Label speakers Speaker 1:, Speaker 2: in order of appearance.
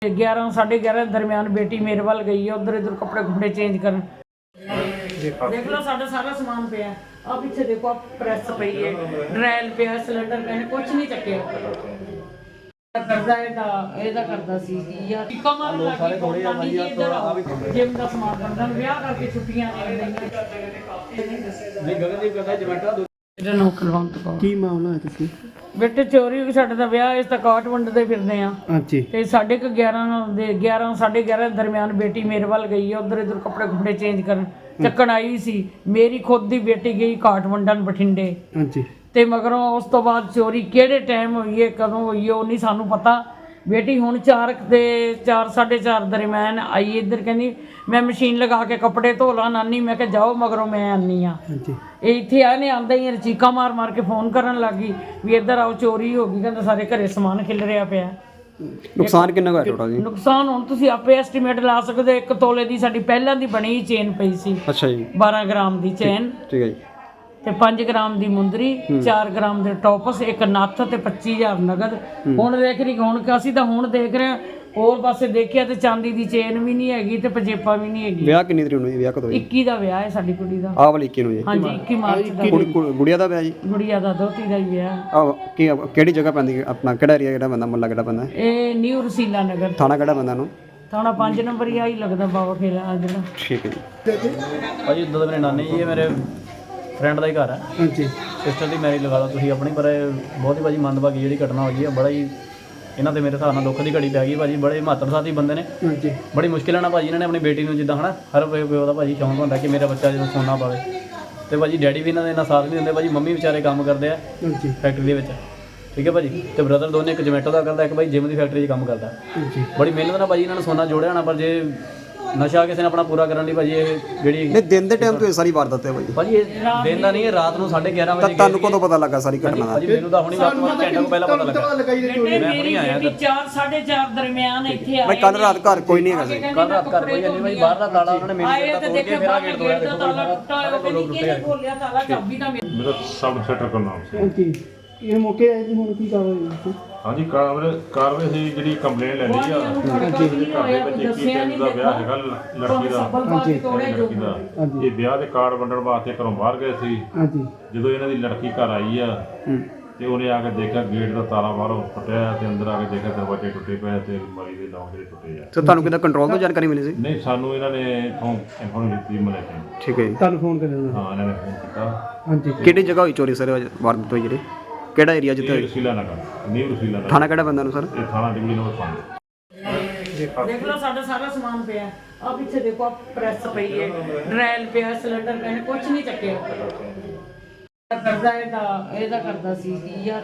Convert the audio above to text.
Speaker 1: 11 साढ़े 11 दरमियान बेटी मेरे वाल गई है, उधर इधर कपड़े कुपड़े चेंज कर। देख लो साढ़ा सारा समान पे है। अब पीछे देखो प्रेस पई है, ड्रैल पे है, सिलेंडर पे है, कुछ नहीं चक्या करदा ਇਹਦਾ ਕਰਦਾ ਸੀ ਯਾਰ ਕਮਰ ਲੱਗੀ ਕੋਟਾਂ ਦੀ ਇੱਧਰ ਜਿਮ ਦਾ ਸਮਾਨ ਬੰਦਾ ਵਿਆਹ ਕਰਕੇ ਛੁੱਟੀਆਂ ਨੇ ਗਗਨਦੀਪ ਕਹਿੰਦਾ ਜਮੈਟਾ ਇਹਦਾ ਨੋ ਕਲਵੰਤ ਕੋ
Speaker 2: ਕੀ ਮਾਮਲਾ ਹੈ ਤੁਸੀਂ
Speaker 1: ਬੇਟੇ ਚੋਰੀ ਹੋ ਗਈ ਸਾਡੇ ਦਾ ਵਿਆਹ ਇਸ ਤਾਂ ਕਾਟ ਵੰਡਦੇ ਫਿਰਦੇ ਆ
Speaker 2: ਹਾਂਜੀ
Speaker 1: ਤੇ 11:30 ਸਾਢੇ 11 ਦਰਮਿਆਨ ਬੇਟੀ ਮੇਰੇ ਵੱਲ ਗਈ ਹੈ, ਉਧਰ ਇਧਰ ਕੱਪੜੇ ਕੁਪੜੇ ਚੇਂਜ ਕਰਨ ਚੱਕਣ ਆਈ ਸੀ। ਮੇਰੀ ਖੁਦ ਦੀ ਬੇਟੀ ਗਈ ਕਾਟ ਵੰਡਣ ਬਠਿੰਡੇ
Speaker 2: ਹਾਂਜੀ ਤੇ
Speaker 1: ਮਗਰੋਂ ਉਸ ਤੋਂ ਬਾਅਦ ਚੋਰੀ ਕਿਹੜੇ ਟਾਈਮ ਹੋਈ ਹੈ ਕਦੋਂ ਹੋਈ ਹੈ ਉਹ ਨਹੀਂ ਸਾਨੂੰ ਪਤਾ। ਬੇਟੀ ਹੁਣ 4 ਤੇ 4:30 ਦਰਮਿਆਨ ਆਈ ਇੱਧਰ ਕਹਿੰਦੀ ਮੈਂ ਮਸ਼ੀਨ ਲਗਾ ਕੇ ਕੱਪੜੇ ਧੋ ਲਾਂ ਨਾਨੀ। ਮੈਂ ਕਿਹਾ ਜਾਓ ਮਗਰੋਂ ਮੈਂ ਆਨੀ ਆ। ਇਹ ਇੱਥੇ ਆਨੇ ਆਂਦਾ ਹੀ ਚੀਕਾਂ ਮਾਰ ਮਾਰ ਕੇ ਫੋਨ ਕਰਨ ਲੱਗੀ ਵੀ ਇੱਧਰ ਆਓ ਚੋਰੀ ਹੋ ਗਈ। ਕਹਿੰਦਾ ਸਾਰੇ ਘਰੇ ਸਮਾਨ ਖਿਲ ਰਿਹਾ ਪਿਆ।
Speaker 2: ਨੁਕਸਾਨ ਕਿੰਨਾ ਹੋਇਆ ਟੋਟਲ ਜੀ?
Speaker 1: ਨੁਕਸਾਨ ਹੁਣ ਤੁਸੀਂ ਆਪੇ ਐਸਟੀਮੇਟ ਲਾ ਸਕਦੇ। 1 ਤੋਲੇ ਦੀ ਸਾਡੀ ਪਹਿਲਾਂ ਦੀ ਬਣੀ ਚੇਨ ਪਈ ਸੀ।
Speaker 2: ਅੱਛਾ ਜੀ
Speaker 1: 12 ਗ੍ਰਾਮ ਦੀ ਚੇਨ
Speaker 2: ਠੀਕ ਹੈ ਜੀ
Speaker 1: ਤੇ 5 ਗ੍ਰਾਮ ਦੀ ਮੁੰਦਰੀ, 4 ਗ੍ਰਾਮ ਦੇ ਟੌਪਸ, ਇੱਕ ਨੱਥ ਤੇ 25000 ਨਗਦ। ਹੁਣ ਦੇਖ ਰਹੀ ਹੁਣ ਅਸੀਂ ਤਾਂ ਹੁਣ ਦੇਖ ਰਹੇ ਹੋਰ ਪਾਸੇ ਦੇਖਿਆ ਤੇ ਚਾਂਦੀ ਦੀ ਚੇਨ ਵੀ ਨਹੀਂ ਹੈਗੀ ਤੇ ਪੰਜੇਪਾ ਵੀ ਨਹੀਂ ਹੈਗੀ।
Speaker 2: ਵਿਆਹ ਕਿੰਨੀ ਤਰੀਕ ਨੂੰ ਜੀ? ਵਿਆਹ ਕਦੋਂ?
Speaker 1: 21 ਦਾ ਵਿਆਹ ਹੈ ਸਾਡੀ ਕੁੜੀ ਦਾ।
Speaker 2: ਆਹ ਵਾਲੀ 21 ਨੂੰ ਜੀ?
Speaker 1: ਹਾਂਜੀ 21 ਮਾਰਚ ਦਾ।
Speaker 2: ਗੁੜੀਆ ਦਾ ਵਿਆਹ ਜੀ?
Speaker 1: ਗੁੜੀਆ ਦਾ ਦੋਤੀ ਦਾ ਹੀ ਵਿਆਹ।
Speaker 2: ਆਹ ਕਿਹੜੀ ਜਗ੍ਹਾ ਪੈਂਦੀ ਹੈ ਆਪਣਾ? ਕਿਹੜਾ ਏਰੀਆ ਕਿਹੜਾ ਪੈਂਦਾ? ਮੁਹੱਲਾ ਕਿਹੜਾ ਪੈਂਦਾ?
Speaker 1: ਇਹ ਨਿਊ ਰਸੀਲਾ ਨਗਰ।
Speaker 2: ਥਾਣਾ ਕਿਹੜਾ ਪੈਂਦਾ ਨੂੰ?
Speaker 1: ਥਾਣਾ 5 ਨੰਬਰ ਹੀ ਆਹੀ ਲੱਗਦਾ ਬਾਬਾ ਖੇਲਾ ਜਿਹੜਾ।
Speaker 2: ਠੀਕ ਹੈ ਜੀ।
Speaker 3: ਭਾਜੀ ਇੱਦਾਂ ਦਾ ਮੇਰੇ ਨਾਨੀ ਜੀ ਇਹ ਮੇਰੇ ਫਰੈਂਡ ਦਾ ਹੀ ਘਰ ਹੈ।
Speaker 2: ਹਾਂਜੀ
Speaker 3: ਸਿਸਟਰ ਦੀ ਮੈਰਿਜ ਲਗਾ ਲਓ ਤੁਸੀਂ ਆਪਣੀ। ਪਰ ਇਹ ਬਹੁਤ ਹੀ ਭਾਜੀ ਮੰਦਭਾਗੀ ਜਿਹੜੀ ਘਟਨਾ ਹੋਈ ਹੈ। ਬੜਾ ਹੀ ਇਹਨਾਂ ਤੇ ਮੇਰੇ ਹਿਸਾਬ ਨਾਲ ਦੁੱਖ ਦੀ ਘੜੀ ਪੈ ਗਈ ਭਾਜੀ। ਬੜੇ ਮਹੱਤਵਸਾਤੀ ਬੰਦੇ ਨੇ।
Speaker 2: ਹਾਂਜੀ
Speaker 3: ਬੜੀ ਮੁਸ਼ਕਿਲ ਨਾਲ ਭਾਜੀ ਇਹਨਾਂ ਨੇ ਆਪਣੀ ਬੇਟੀ ਨੂੰ ਜਿੱਦਾਂ ਹਨਾ ਹਰ ਪਿਓ ਦਾ ਭਾਜੀ ਸ਼ੌਂਕ ਹੁੰਦਾ ਕਿ ਮੇਰਾ ਬੱਚਾ ਜਦੋਂ ਸੋਨਾ ਪਾਵੇ। ਤੇ ਭਾਜੀ ਡੈਡੀ ਵੀ ਇਹਨਾਂ ਦੇ ਇੰਨਾ ਸਾਥ ਨਹੀਂ ਦਿੰਦੇ ਭਾਜੀ। ਮੰਮੀ ਵਿਚਾਰੇ ਕੰਮ ਕਰਦੇ ਆ
Speaker 2: ਹਾਂਜੀ
Speaker 3: ਫੈਕਟਰੀ ਦੇ ਵਿੱਚ, ਠੀਕ ਹੈ ਭਾਜੀ। ਤੇ ਬ੍ਰਦਰ ਦੋਨੇ, ਇੱਕ ਜਮੈਟੋ ਦਾ ਕਰਦਾ, ਇੱਕ ਭਾਈ ਜਿਮ ਦੀ ਫੈਕਟਰੀ 'ਚ ਕੰਮ ਕਰਦਾ।
Speaker 2: ਹਾਂਜੀ
Speaker 3: ਬੜੀ ਮਿਹਨਤ ਨਾਲ ਭਾਜੀ ਇਹਨਾਂ ਨੇ ਸੋਨਾ ਜੋੜਿਆ ਹੋਣਾ। ਪਰ ਜੇ ਨਸ਼ਾ ਕਿਸੇ ਨੇ ਆਪਣਾ ਪੂਰਾ ਕਰਨ ਲਈ ਭਾਜੀ ਇਹ ਜਿਹੜੀ
Speaker 2: ਨਹੀਂ ਦਿਨ ਦੇ ਟਾਈਮ ਤੋਂ ਇਹ ਸਾਰੀ ਵਾਰਦਾਤ ਹੈ
Speaker 3: ਭਾਜੀ ਇਹ ਦਿਨ ਦਾ ਨਹੀਂ, ਇਹ ਰਾਤ ਨੂੰ 11:30 ਵਜੇ।
Speaker 2: ਤੁਹਾਨੂੰ ਕਦੋਂ ਪਤਾ ਲੱਗਾ ਸਾਰੀ ਘਟਨਾ ਦਾ?
Speaker 3: ਭਾਜੀ ਮੈਨੂੰ ਤਾਂ ਹੁਣੀ ਘੰਟੇ ਤੋਂ ਪਹਿਲਾਂ ਪਤਾ ਲੱਗਾ।
Speaker 1: ਮੈਂ ਹੁਣੀ ਆਇਆ 4:30 ਦਰਮਿਆਨ ਇੱਥੇ ਆਏ।
Speaker 2: ਮੈਂ ਕੱਲ ਰਾਤ ਘਰ ਕੋਈ ਨਹੀਂ ਹੈਗਾ ਸੀ।
Speaker 3: ਕੱਲ ਰਾਤ ਘਰ ਕੋਈ ਨਹੀਂ ਭਾਈ। ਬਾਹਰ ਦਾ ਤਾਲਾ ਉਹਨਾਂ ਨੇ ਮੇਨ
Speaker 1: ਆਏ
Speaker 3: ਗੇਟ
Speaker 1: ਤੇ
Speaker 3: ਦਾ ਤੋੜ ਕੇ
Speaker 1: ਦੇਖਿਆ
Speaker 3: ਮੇਰਾ
Speaker 1: ਬਾਹਰ
Speaker 3: ਗੇਟ
Speaker 1: ਗੇਟ ਦਾ ਤਾਲਾ ਟੁੱਟਾ ਹੋਇਆ। ਕਹਿੰਦੀ ਕਿਹਨੇ ਖੋਲਿਆ ਤਾਲਾ? ਚਾਬੀ ਤਾਂ
Speaker 4: मेरा सब इंस्पेक्टर का नाम से।
Speaker 2: ਹਾਂਜੀ ਇਹ ਮੌਕੇ ਆਏ ਸੀ ਹੁਣ ਕੀ ਕਾਰਵਾਈ?
Speaker 4: हाँ जी कार्रवाई से जी कंप्लेन ले ली है।
Speaker 1: ਹਾਂਜੀ ਦੱਸਿਆ ਨਹੀਂ
Speaker 4: ਦਾ ਵਿਆਹ ਹੈਗਾ ਲੜਕੀ ਦਾ।
Speaker 1: ਹਾਂਜੀ
Speaker 4: ਲੜਕੀ ਦਾ ਇਹ ਵਿਆਹ ਦੇ ਕਾਰਡ ਵੰਡਣ ਵਾਸਤੇ ਘਰੋਂ ਬਾਹਰ ਗਏ ਸੀ।
Speaker 2: ਹਾਂਜੀ
Speaker 4: ਜਦੋਂ ਇਹਨਾਂ ਦੀ ਲੜਕੀ ਘਰ ਆਈ ਆ ਤੇ ਉਹਨੇ ਆ ਕੇ ਦੇਖਿਆ ਗੇਟ ਦਾ ਤਾਲਾ ਬਾਹਰੋਂ ਟੁੱਟਿਆ ਤੇ ਅੰਦਰ ਆ ਕੇ ਦੇਖਿਆ ਦਰਵਾਜ਼ੇ ਟੁੱਟੇ ਪਏ ਤੇ ਅਲਮਾਰੀ ਦੇ ਲੋਕ ਜਿਹੜੇ ਟੁੱਟੇ ਆ।
Speaker 2: ਤੇ ਤੁਹਾਨੂੰ ਕਿਹਦਾ ਕੰਟਰੋਲ ਤੋਂ ਜਾਣਕਾਰੀ ਮਿਲੀ ਸੀ?
Speaker 4: ਨਹੀਂ ਸਾਨੂੰ ਇਹਨਾਂ ਨੇ ਇਨਫੋਰਮ ਦਿੱਤੀ ਮਲੇਟੇ।
Speaker 2: ਠੀਕ ਹੈ ਜੀ। ਤੁਹਾਨੂੰ ਫੋਨ ਕਰਿਆ?
Speaker 4: ਹਾਂ ਇਹਨਾਂ ਨੇ ਫੋਨ ਕੀਤਾ।
Speaker 2: ਹਾਂਜੀ ਕਿਹੜੀ ਜਗ੍ਹਾ ਹੋਈ ਚੋਰੀ ਸਰ ਵਾਰਦਾਤ ਹੋਈ ਜਿਹੜੀ? ਕਿਹੜਾ ਏਰੀਆ ਜਿੱਥੇ ਹੋਈ?
Speaker 4: ਰਸੀਲਾ ਨਗਰ, ਨਿਊ ਰਸੀਲਾ ਨਗਰ।
Speaker 2: ਥਾਣਾ ਕਿਹੜਾ ਪੈਂਦਾ ਨੂੰ ਸਰ?
Speaker 4: ਇਹ ਥਾਣਾ ਡਿਵੀਜ਼ਨ ਨੰਬਰ 5।
Speaker 1: ਦੇਖ ਲਓ ਸਾਡਾ ਸਾਰਾ ਸਮਾਨ ਪਿਆ। ਆ ਪਿੱਛੇ ਦੇਖੋ ਪ੍ਰੈਸ ਪਈ ਹੈ, ਡਰੈਲ ਪਿਆ, ਸਿਲੰਡਰ ਪਿਆ, ਕੁਝ ਨਹੀਂ ਚੱਕਿਆ ਕਰਦਾ ਇਹਦਾ ਕਰਦਾ ਸੀ ਯਾਰ।